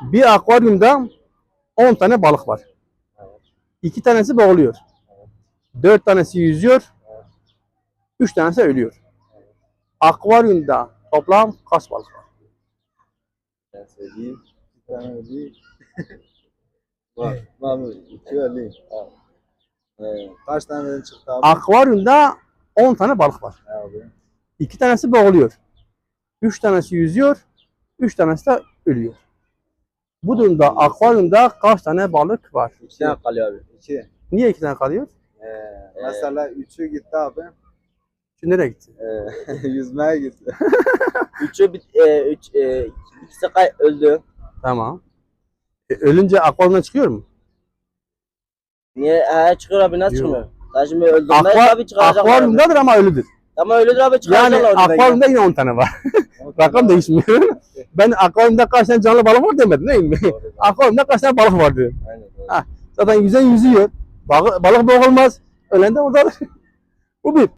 Bir akvaryumda 10 tane balık var. 2 tanesi boğuluyor. 4 tanesi yüzüyor. 3 tanesi ölüyor. Akvaryumda toplam kaç balık var? Ben söyleyeyim. Bir tane öleyim. Var mı? İki öleyim. Kaç tane çıktı abi? Akvaryumda 10 tane balık var. Abi. 2 tanesi boğuluyor. 3 tanesi yüzüyor. 3 tanesi de ölüyor. Bu durumda akvaryumda kaç tane balık var? İki tane kalıyor abi. İki. Niye 2 tane kalıyor? Mesela üçü gitti abi. Şimdi nereye gitti? Yüzmeye gitti. İkisi öldü. Tamam. Ölünce akvaryumdan çıkıyor mu? Niye? Çıkıyor abi, nasıl Yok. çıkmıyor? Daha şimdi öldürmeye tabii çıkaracaklar abi. Akvaryumdadır ama ölüdür. Ama öldür abi, Yani çıkaracaklar oradan. akvaryumda yine 10 tane var. Rakam değişmiyor. Ben akvaryumda kaç tane canlı balık var demedim değil mi? Akvaryumda kaç tane balık var diyorum. Aynen. Zaten yüzen yüzüyor. Balık boğulmaz. Ölen de oradadır. Bu bir.